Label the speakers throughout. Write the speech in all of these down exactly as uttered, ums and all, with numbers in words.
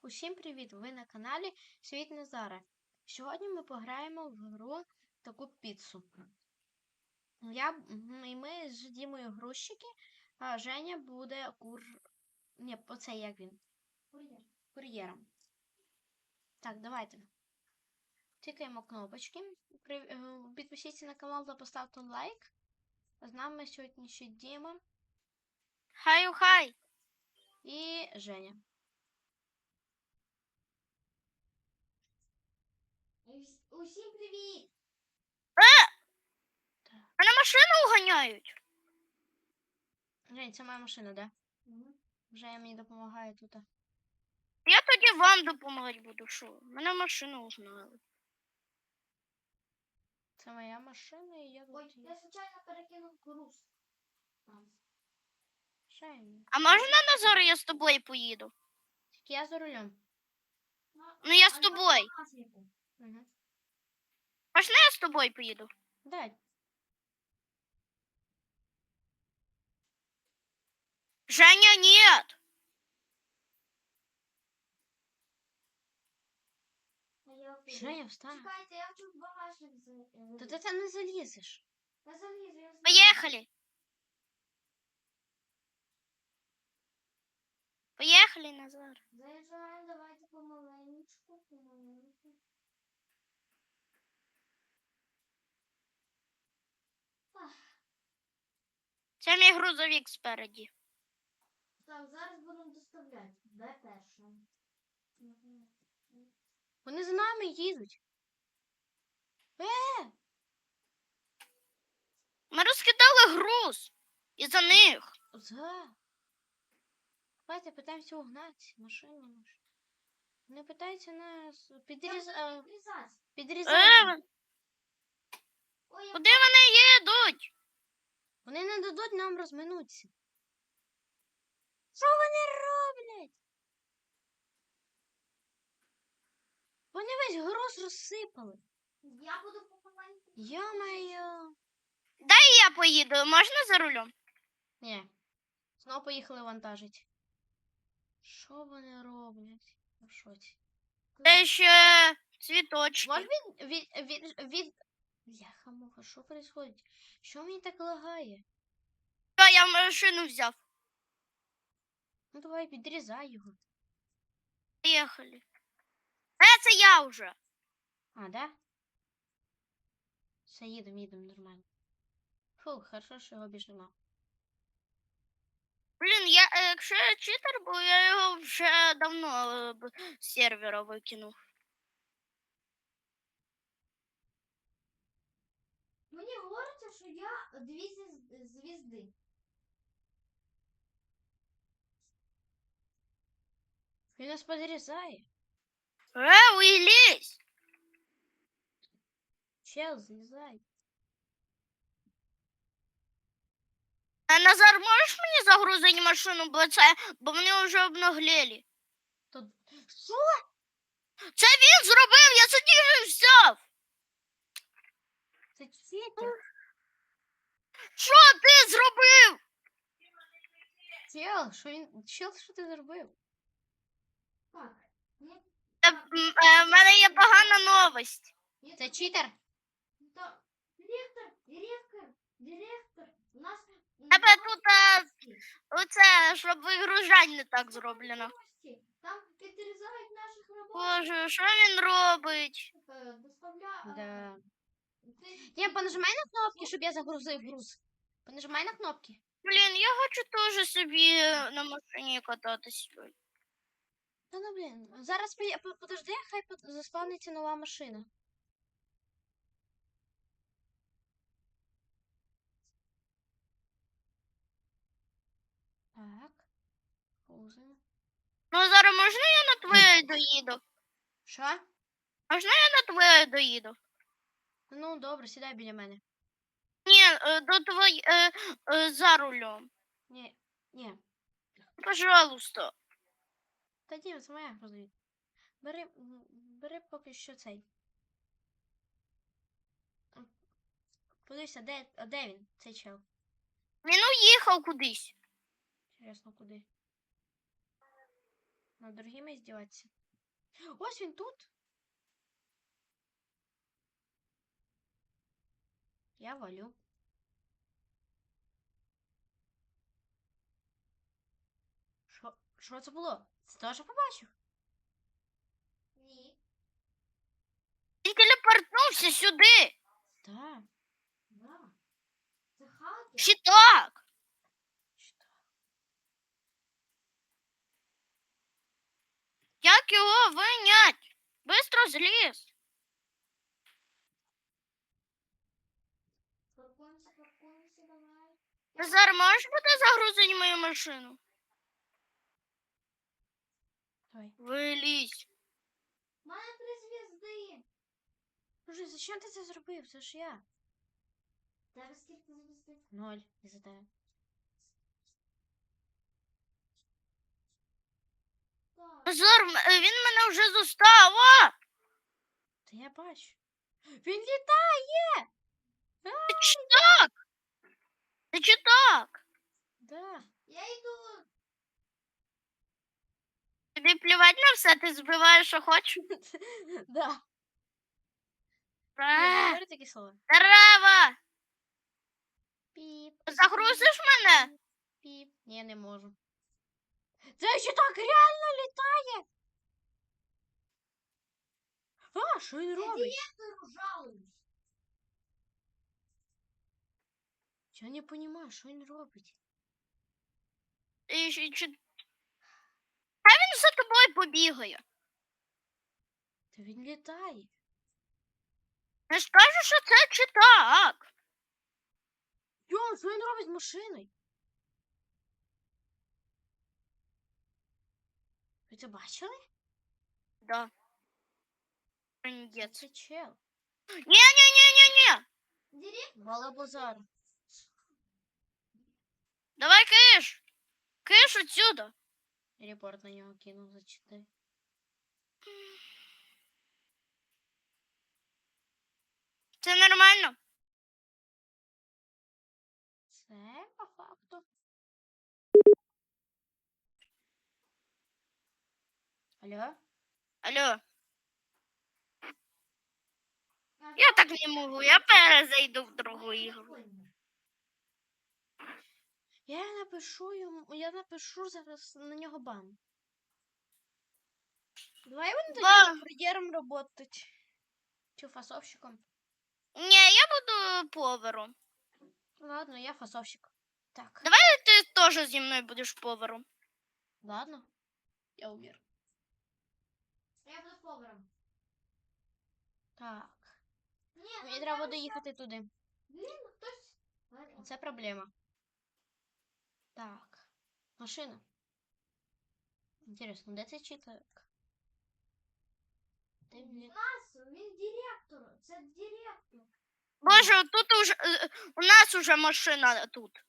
Speaker 1: Усім привіт! Ви на каналі Світ Назара. Сьогодні ми пограємо в гру таку піцу. Я, і ми з Дімою грузчики, а Женя буде кур... Ні, оце як він? Кур'єр. Кур'єром. Так, давайте. Тикаємо кнопочки. Підпишіться на канал та поставте лайк. З нами сьогодні ще Діма.
Speaker 2: Хай-хай!
Speaker 1: І Женя.
Speaker 3: Усім привіт!
Speaker 2: Е! Мене машину уганяють.
Speaker 1: Жень, це моя машина, да? Угу. Женя мені допомагає тут.
Speaker 2: Я тоді вам допомагати буду, що? Мене машину угнали.
Speaker 1: Це моя машина і я тут.
Speaker 3: Ой, я случайно перекинув груз.
Speaker 1: Женя.
Speaker 2: А можна, Назар, я з тобою поїду?
Speaker 1: Тільки я за рулем.
Speaker 2: Ну я з тобою.
Speaker 1: Угу.
Speaker 2: Можна я з тобою поїду?
Speaker 1: Дай.
Speaker 2: Женя, нет!
Speaker 1: Женя, встань.
Speaker 3: Чекайте, я хочу в багажник залізти.
Speaker 1: Та ти там не залізеш.
Speaker 3: Я залізу, я залізу.
Speaker 2: Поехали! Поехали, Назар.
Speaker 3: Заїжджаємо, давайте помаленечку, помаленечку.
Speaker 2: Це мій грузовик спереді.
Speaker 3: Так, зараз будемо доставляти. Де перше?
Speaker 1: Вони за нами їдуть. Е!
Speaker 2: Ми розкидали груз. І за них.
Speaker 1: За. Давайте питаємося угнати машину нашу. Вони питаються нас підріз... е,
Speaker 3: Підрізати.
Speaker 1: підрізати.
Speaker 2: Е,
Speaker 3: Ой, я
Speaker 2: куди вони їдуть?
Speaker 1: Вони не дадуть нам розминутися. Що вони роблять? Вони весь груз розсипали.
Speaker 3: Я буду помаленьку.
Speaker 1: Йо-моє.
Speaker 2: Дай я поїду. Можна за рулем?
Speaker 1: Ні. Знову поїхали вантажить. Що вони роблять? В шоці.
Speaker 2: Це ще цвіточки.
Speaker 1: Може від... від... від... від... Бляха-муха, що происходить? Що мені так лагає?
Speaker 2: Та я машину взяв.
Speaker 1: Ну давай, підрізай його.
Speaker 2: Поїхали. Е, це я вже.
Speaker 1: А, да? Все, їдемо, їдемо нормально. Фу, хорошо, що його більш нема.
Speaker 2: Блін, я, е, якщо я читер, бо я його вже давно е, б- з сервера викинув.
Speaker 3: Мені говориться, що я дві звіз- звізди.
Speaker 1: Він нас підрізає.
Speaker 2: Е, уйлізь!
Speaker 1: Чел, злізай.
Speaker 2: А Назар, можеш мені загрузити машину, бо це, бо вони вже обнаглели.
Speaker 1: То... Що?
Speaker 2: Це він зробив, я сидів і взяв.
Speaker 1: Це читер.
Speaker 2: Що ти зробив?
Speaker 1: Чел, що він... Чел, що ти зробив?
Speaker 3: Так. Ні,
Speaker 2: Е, м, е, в мене є погана новость.
Speaker 3: ні,
Speaker 1: Це читер?
Speaker 3: та- Директор, директор, директор. У нас...
Speaker 2: Тебе тут е, оце, щоб вигружати не так зроблено.
Speaker 3: Там підрізають наших робочих.
Speaker 2: Боже, що він робить?
Speaker 3: Е, Доставля... е,
Speaker 1: Да.
Speaker 3: ти-
Speaker 1: Я понажимай на кнопки, щоб я загрузив груз. Понажимай на кнопки.
Speaker 2: Блін, я хочу теж собі на машині кататись.
Speaker 1: Та ну блін. Зараз поє- по- подожди, хай по- заспавниться нова машина. Так. Грузимо.
Speaker 2: Ну, зараз можна я на твоє доїду?
Speaker 1: Що?
Speaker 2: Можна я на твоє доїду?
Speaker 1: Ну, добре, сідай біля мене.
Speaker 2: Ні, е, до твоє, е, е, за рулем.
Speaker 1: Ні, ні.
Speaker 2: Пожалуйста.
Speaker 1: Та ні, це моя грузові. Бери, м, бери поки що цей. М, Подивися, де, а де він, цей чел?
Speaker 2: Він уїхав кудись.
Speaker 1: Інтересно, куди? Над другими здіватися. Ось він тут. Я валю. Що? Що це було? Це теж побачив?
Speaker 3: Ні.
Speaker 2: Він телепортнувся сюди.
Speaker 1: Так.
Speaker 3: Да. Це хакер.
Speaker 2: Чи так?
Speaker 1: Що?
Speaker 2: Як його винять? Бистро зліз.
Speaker 3: Паркуємося, паркуємося, давай.
Speaker 2: Назар, можеш бути загрузити мою машину?
Speaker 1: Давай.
Speaker 2: Вилізь.
Speaker 3: У мене три звізди.
Speaker 1: Боже, зачем ти це зробив? Це ж я.
Speaker 3: Тебе скільки звізди?
Speaker 1: Ноль. І за тебе.
Speaker 3: Так.
Speaker 2: Назар, м- е, він мене вже зустав. О!
Speaker 1: Та я бачу. Він літає! А,
Speaker 2: Ти чи так? Ти чи так?
Speaker 1: да.
Speaker 3: Я йду.
Speaker 2: Тобі плівать на все, ти збиваєш, що хочеш?
Speaker 1: Да. Не
Speaker 2: Е,
Speaker 1: говори такі слова.
Speaker 2: Дерева!
Speaker 1: Піп.
Speaker 2: Загрузиш мене?
Speaker 1: Піп. Ні, я не можу. Це ще так реально літає! А, що він
Speaker 3: Я
Speaker 1: робить?
Speaker 3: директору жалуюсь.
Speaker 1: Я не розумію, що він робить.
Speaker 2: І, чи, чи... Хай він за тобою побігає.
Speaker 1: Та він літає.
Speaker 2: Не скажу, що це чи так.
Speaker 1: Йо, що він робить з машиною? Ви це бачили?
Speaker 2: Да.
Speaker 1: Це,
Speaker 2: Трындець.
Speaker 1: це чел.
Speaker 2: Ні-ні-ні-ні-ні.
Speaker 3: Директор.
Speaker 1: Балабазар.
Speaker 2: Давай киш. Киш отсюда.
Speaker 1: Репорт на нього кинув за чотири.
Speaker 2: Це нормально.
Speaker 1: Це по факту. Алло?
Speaker 2: Алло. Я так не можу, я перезайду в другу ігру.
Speaker 1: Я напишу йому, я напишу зараз на нього бан. Давай він
Speaker 2: Ба.
Speaker 1: тоді кур'єром работать. Чи фасовщиком.
Speaker 2: Ні, я буду повером.
Speaker 1: Ладно, я фасовщик. Так,
Speaker 2: Ти теж зі мною будеш повером.
Speaker 1: ладно. Я умер.
Speaker 3: Я буду поваром.
Speaker 1: Так.
Speaker 3: Ні,
Speaker 1: Мені
Speaker 3: ну
Speaker 1: треба
Speaker 3: там
Speaker 1: буде їхати туди.
Speaker 3: Блін, хтось. Ладно.
Speaker 1: Це проблема. Так. Машина. Інтересно, де цей читак? Де
Speaker 3: У
Speaker 1: він?
Speaker 3: нас він директор. Це директор.
Speaker 2: Боже, тут уже е, у нас уже машина тут.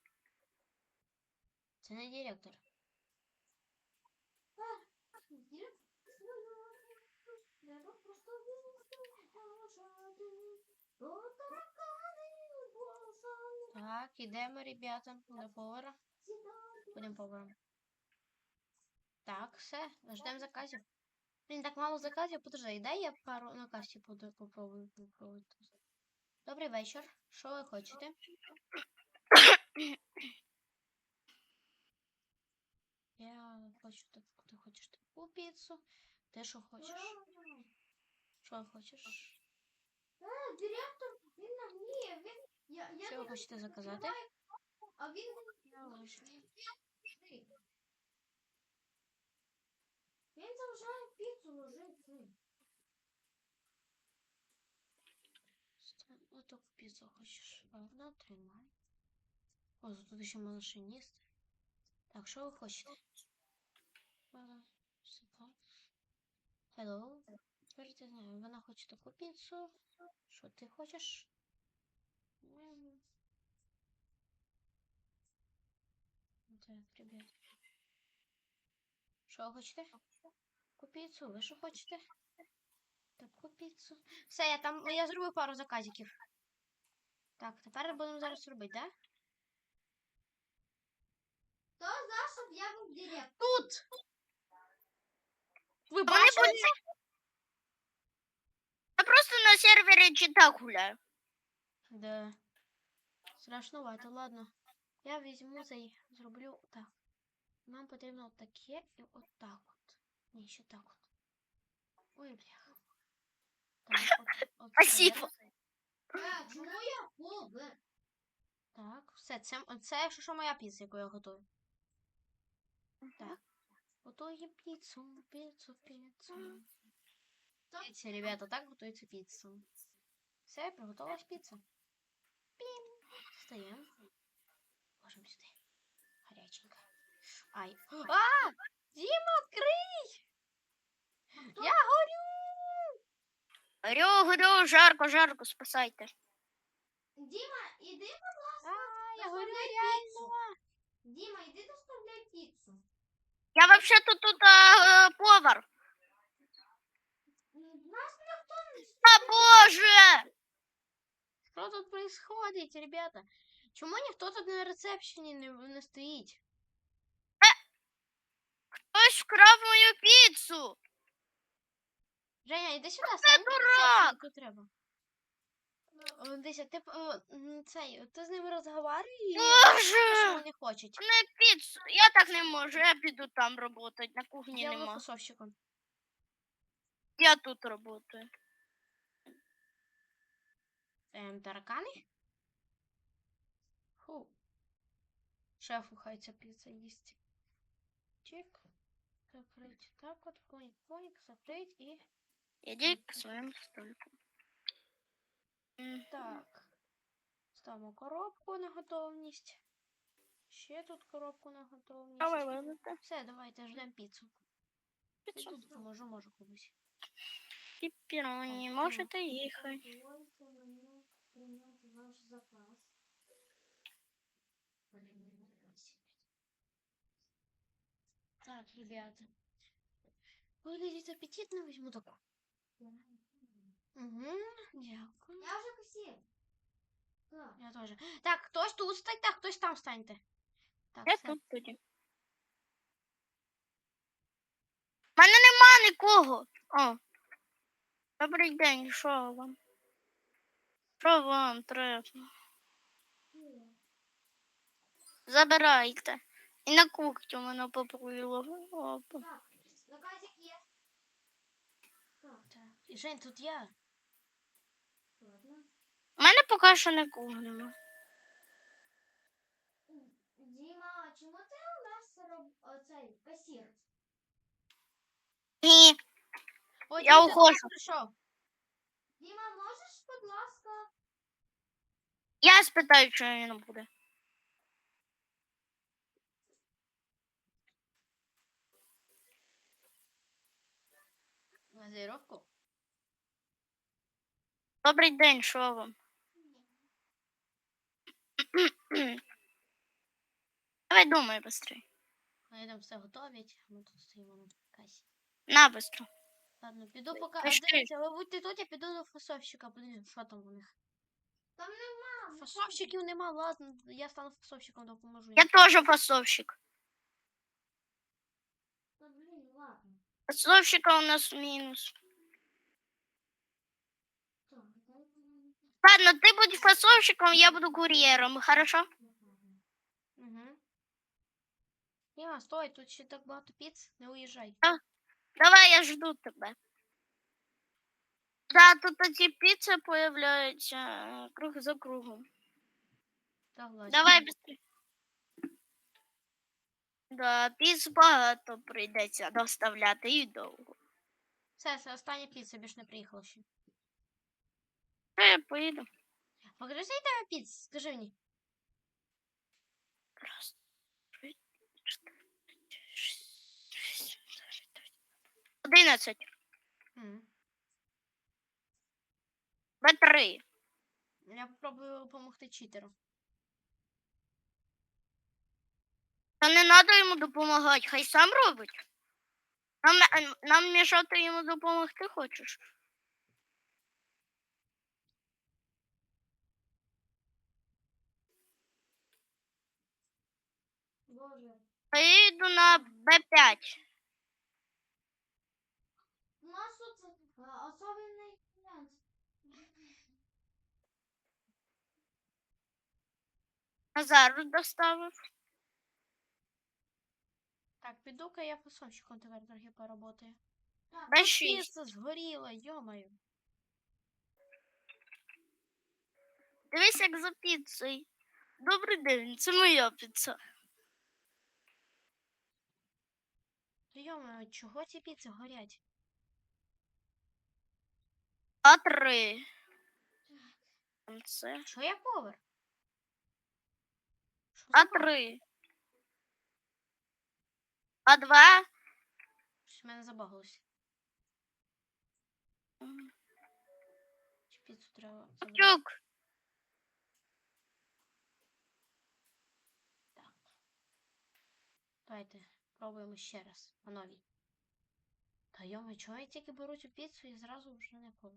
Speaker 1: Це не директор.
Speaker 3: Треба просто До таракани босали
Speaker 1: Так, ідемо, ребята, до повара.
Speaker 3: сідати.
Speaker 1: Будемо поваром. Так, все, ждемо заказів. Блін, так мало заказів, подожди, дай я пару на касі буду попробую попробувати. Добрий вечір. Що ви хочете? Я хочу так, ти хочеш таку піцу. Ти що хочеш? Що хочеш?
Speaker 3: Е, директор, він на ні, він я я
Speaker 1: Що ви
Speaker 3: не
Speaker 1: хочете заказати?
Speaker 3: відкриваю, а він він заважає піцу ложити.
Speaker 1: Ну, таку піцу хочеш. Ладно, тримай. О, тут ще машиніст. Так, що ви хочете? Hello. Тепер ти знаю, вона хоче таку піцу. Що ти хочеш? М. Так, ребят. Що ви хочете? Таку піцу, ви що хочете? Таку піцу. Все, я там, я зробив пару заказиків. Так, тепер будемо зараз робити, да?
Speaker 3: Хто за, щоб я був директор?
Speaker 1: Тут!
Speaker 2: Вони
Speaker 1: бачили
Speaker 2: будуть...
Speaker 1: це?
Speaker 2: Я просто на сервері чи так гуляю.
Speaker 1: Да. Страшновато, ладно. Я візьму цей, зроблю так. Нам потрібно отаке і отак от. Ні, ще так от. Ой, бляха. Так, от, от
Speaker 2: Спасибо.
Speaker 3: Е, чому я повер?
Speaker 1: Так, все, це, це якщо що моя піца, яку я готую. Так. Готуємо піцу, піцу, піцу. Дивіться, ребята, так готується піца. Все, приготувалась піца. Пім. Встаємо. Ложимо сюди. Гаряченько. Ай. А! Діма, відкрий! Я горю!
Speaker 2: Горю, горю, жарко, жарко, спасайте.
Speaker 3: Діма, іди, будь ласка,
Speaker 1: А, я горю
Speaker 3: доставляй
Speaker 1: реально.
Speaker 3: піцу. Діма, іди доставляй піцу.
Speaker 2: Я вообще тут, тут а, повар.
Speaker 3: М, Нас ніхто не
Speaker 2: А, боже!
Speaker 1: Що тут происходить, ребята? Чому ніхто тут на рецепшені не, не стоїть?
Speaker 2: Хтось вкрав мою піцу.
Speaker 1: Женя, іди сюди, стань на
Speaker 2: дурак!
Speaker 1: рецепшені, тут треба. О, Дися, ти, о, м, цей, ти з ними розговорюєш, що
Speaker 2: Боже!
Speaker 1: вони хочуть.
Speaker 2: Не піцу. Я так не можу, я піду там працювати, на кухні
Speaker 1: Я буду
Speaker 2: нема.
Speaker 1: фасовщиком.
Speaker 2: Я тут працюю.
Speaker 1: Ем, таракани? Фу. Шефу хай ця піца їсть. Чик. Закрыть. Так от, поник, поник, закрыть і...
Speaker 2: Іди к своєму столику. М,
Speaker 1: Так. Ставимо коробку на готовність. Ще тут коробку на готовність.
Speaker 2: Давай, вилити.
Speaker 1: Все, давайте ждемо піцу. Я
Speaker 2: Піцу.
Speaker 1: тут поможу, можу комусь.
Speaker 2: Піпіроні,
Speaker 1: Так,
Speaker 2: можете їхати.
Speaker 3: Дозвольте мені прийняти ваш заказ.
Speaker 1: Так, ребята. Выглядит аппетитно, возьму такую. Угу, дякую.
Speaker 3: Я вже косів. Так.
Speaker 1: Я тоже. Так, хтось тут станьте, а хтось там станьте. Так,
Speaker 2: Я
Speaker 1: все.
Speaker 2: тут тоді. У мене нема нікого. О. Добрий день, що вам? Що вам треба? Забирайте. І на кухню мене попоїло. Опа.
Speaker 3: Так, заказик є. Так,
Speaker 1: Так. І, Жень, тут я.
Speaker 3: ладно.
Speaker 2: У мене поки що нікого нема.
Speaker 3: Діма, чому ти у нас роб... оцей касір?
Speaker 2: Ні,
Speaker 1: О,
Speaker 2: Я
Speaker 1: Дім, ти до нас
Speaker 2: ухожу.
Speaker 1: прийшов.
Speaker 3: Діма, можеш, будь ласка?
Speaker 2: я спитаю, що він буде.
Speaker 1: Газировку?
Speaker 2: Добрий день, що вам? Давай думай быстрей.
Speaker 1: Вони там все готовять, а ми тут стоїмо на касі.
Speaker 2: На быстро.
Speaker 1: Ладно, піду поки. А
Speaker 2: Пішли.
Speaker 1: дивіться, ви будьте тут, я піду до фасовщика, подивлюсь, що там у них.
Speaker 3: Там нема.
Speaker 1: Фасовщиків нема, ладно, я стану фасовщиком, допоможу.
Speaker 2: Я
Speaker 1: їм.
Speaker 2: теж фасовщик.
Speaker 3: Та, блін, ладно.
Speaker 2: Фасовщика у нас мінус.
Speaker 3: Так, дай мені.
Speaker 2: Ладно, ти будь фасовщиком, я буду кур'єром, хорошо?
Speaker 1: Угу. Німа, стой, тут ще так багато піц, не уїжджай.
Speaker 2: Давай, я жду тебе. Да, тут ці піци появляються е, круг за кругом.
Speaker 1: Согласен.
Speaker 2: Давай быстрее. Да, піц багато прийдеться доставляти і довго.
Speaker 1: Все, це остання піца, більш не приїхала ще.
Speaker 2: Та я поїду.
Speaker 1: Покажи свій тебе піц, скажи мені.
Speaker 2: Раз, три, чотири, шість, шість, дев'ять, одинадцять.
Speaker 1: М.
Speaker 2: Б три.
Speaker 1: Я попробую допомогти читеру.
Speaker 2: Та не треба йому допомагати, хай сам робить. Нам, е, нам мішати йому допомогти хочеш?
Speaker 3: Боже.
Speaker 2: Я йду на Б п'ять.
Speaker 3: тут а, особенный клиент.
Speaker 2: Назар доставив.
Speaker 1: Так, піду-ка я фасонщиком тепер трохи поработаю.
Speaker 3: Так,
Speaker 2: Дай
Speaker 1: Тут
Speaker 2: шість.
Speaker 1: піца згоріла, йомаю.
Speaker 2: Дивись, як за піцею. Добрий день, це моя піца.
Speaker 1: Та йомаю, чого ці піци горять?
Speaker 2: А три. Це.
Speaker 1: Що я повар? Що
Speaker 2: А
Speaker 1: за баг?
Speaker 2: три. А два.
Speaker 1: Щось в мене забагалося. Чи піцу треба забрати?
Speaker 2: Чук.
Speaker 1: Так. Давайте пробуємо ще раз. По новій. Та йома, чого я тільки беру цю піцу і зразу вже не повар?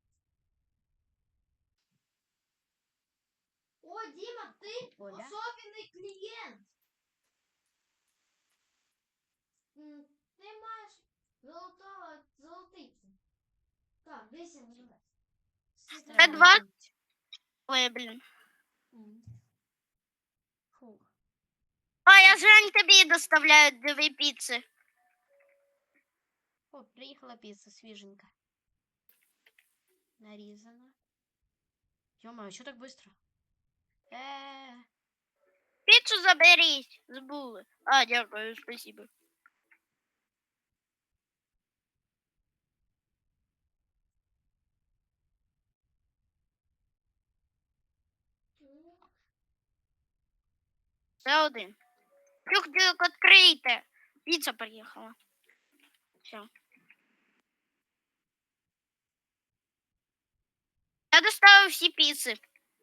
Speaker 3: О, Дима, ты
Speaker 1: Оля?
Speaker 3: особенный клиент. М, Ты маешь золотого золотицю. Так, десь я називаю.
Speaker 2: Це два? Ой, блін.
Speaker 1: М. Фух.
Speaker 2: А, я Жень тобі доставляю дві піци.
Speaker 1: О, приїхала піца свіженька. Нарізана. Йома, що так швидко? Е,
Speaker 2: Піцу заберіть. Забули. А, дякую, спасибо. Це один. Тюк-тюк, відкрийте. Піца приїхала. Все. Я доставив всі піци.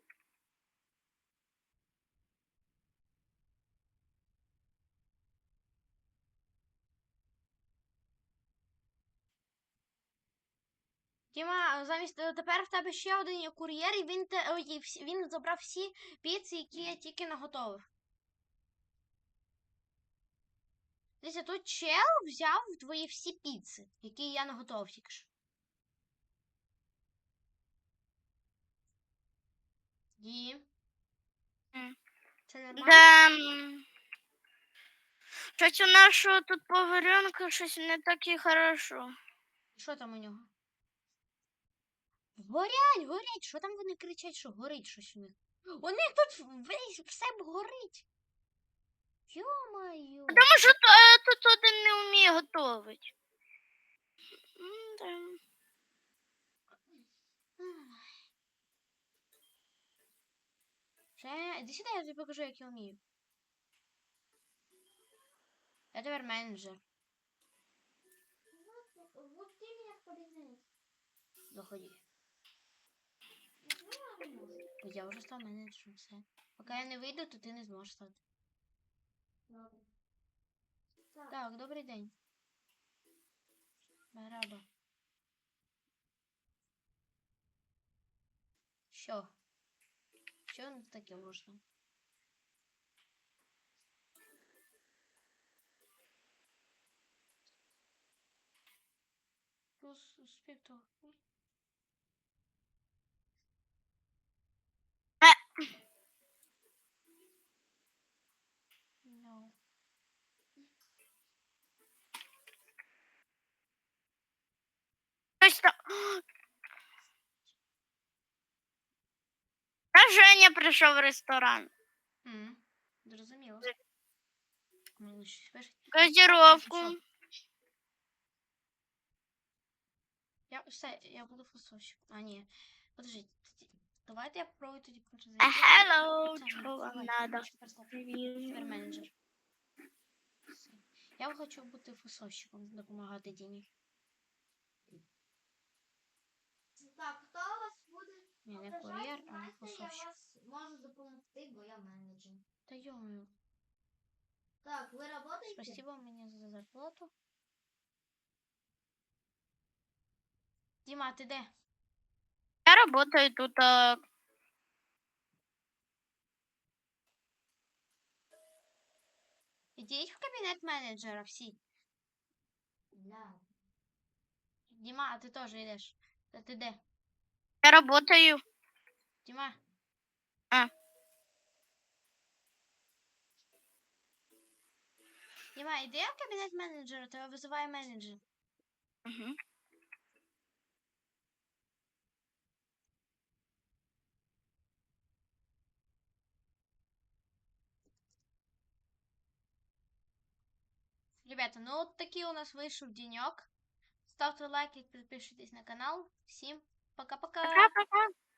Speaker 1: Діма, замість е, тепер в тебе ще один є кур'єр, і він те ой, і всі- він забрав всі піци, які я тільки наготовив. Дивіться, тут чел взяв твої всі піци, які я наготовив тільки що. Дім.
Speaker 2: М.
Speaker 1: Це нормально?
Speaker 2: Да. м, Щось у нашого тут поваренка щось не так і хорошо.
Speaker 1: Що там у нього? Горять, горять! Що там вони кричать, що горить щось у них? У них тут весь все горить. Йо-моє.
Speaker 2: Тому що то, е, тут один не вміє готувати. М-да.
Speaker 1: Ще, іди сюди, я тобі покажу, як я вмію. Я тепер менеджер.
Speaker 3: Вот, вот ты меня подозреваешь.
Speaker 1: Заходи.
Speaker 3: Ну, я не можу.
Speaker 1: Я вже став менеджером, все. Поки я не вийду, то ти не зможеш стати.
Speaker 3: Добре. Так,
Speaker 1: Так, добрий день. Бараба. Що? Що ну таке можна? Плюс успіх. No.
Speaker 2: Щось там. Та Женя прийшов в ресторан.
Speaker 1: М, Зрозуміло. Мені щось пишуть.
Speaker 2: Газіровку.
Speaker 1: Що? Я все, я буду фасовщик. А, ні. Подожди. Давайте я попробую тоді перезайти.
Speaker 2: А, hello,
Speaker 1: Це,
Speaker 2: чого вам
Speaker 1: давай,
Speaker 2: надо?
Speaker 1: я тепер став- Тепер менеджер. Все. Я хочу бути фасовщиком, допомагати Дімі.
Speaker 3: так, хто у вас буде?
Speaker 1: Ні, не
Speaker 3: Ображайте,
Speaker 1: кур'єр, а
Speaker 3: знаєте, я
Speaker 1: фасовщик.
Speaker 3: вас можу допомогти, бо я менеджер.
Speaker 1: Та йомаю.
Speaker 3: Так, ви работаете?
Speaker 1: Спасибо мені за зарплату. Діма, ти де?
Speaker 2: Я работаю тут. А...
Speaker 1: Ідіть в кабінет менеджера всі.
Speaker 3: Да.
Speaker 1: Діма, а ти теж йдеш. Та ти де?
Speaker 2: Я работаю.
Speaker 1: Діма.
Speaker 2: А.
Speaker 1: Діма, іди в кабінет менеджера, тебе визиває менеджер.
Speaker 2: Угу.
Speaker 1: Ребята, ну от такий у нас вийшов денек. Ставте лайки, підписуйтесь на канал. Всім пока-пока.
Speaker 2: Пока-пока.